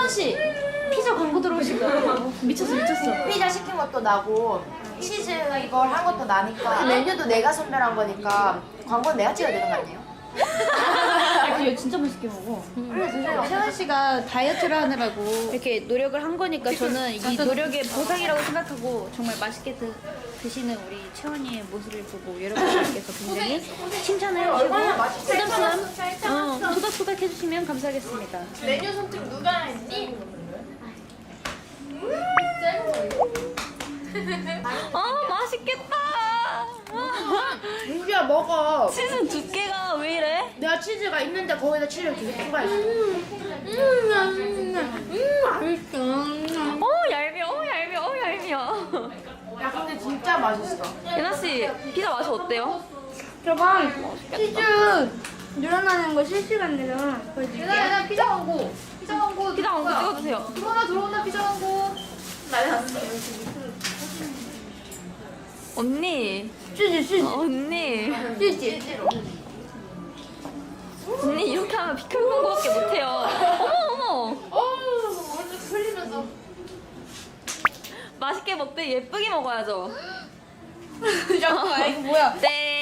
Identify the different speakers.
Speaker 1: 채원 씨 피자 광고 들어오신 거 미쳤어.
Speaker 2: 피자 시킨 것도 나고 치즈 이걸 한 것도 나니까 메뉴도 내가 선별한 거니까 광고는 내가 찍어야 되는 거 아니에요?
Speaker 1: 이거 진짜 맛있게 먹어.
Speaker 2: 그래 드세요.
Speaker 1: 채원 씨가 다이어트를 하느라고 이렇게 노력을 한 거니까 저는 이 노력의 보상이라고 생각하고 정말 맛있게 드시는 우리 채원이의 모습을 보고 여러분들께서 굉장히 칭찬을 해주시고 부담스러운 토닥토닥 해주시면 감사하겠습니다.
Speaker 2: 메뉴 선택 누가 했니?
Speaker 1: 맛있겠다.
Speaker 2: 민규야 먹어.
Speaker 1: 치즈 두께가 왜 이래?
Speaker 2: 내가 치즈가 있는데 거기다 치즈를 계속 추가했어.
Speaker 1: 얄미워.
Speaker 2: 야 근데 진짜 맛있어.
Speaker 1: 예나 씨 피자 맛이 어때요?
Speaker 3: 저번 치즈 늘어나는 거 실시간 내가 보여줄게.
Speaker 2: 얘들아 피자 광고. 피자 광고.
Speaker 1: 피자 광고 찍어주세요.
Speaker 2: 들어온다 피자 광고. 난리 났어.
Speaker 1: 언니.
Speaker 3: 치즈.
Speaker 1: 언니.
Speaker 2: 치즈로.
Speaker 1: 언니 이렇게 하면 비켜 광고밖에 못해요. 어머.
Speaker 2: 오늘 흘리면서.
Speaker 1: 맛있게 먹되 예쁘게 먹어야죠.
Speaker 3: 잠깐만 이거 뭐야?
Speaker 1: 네.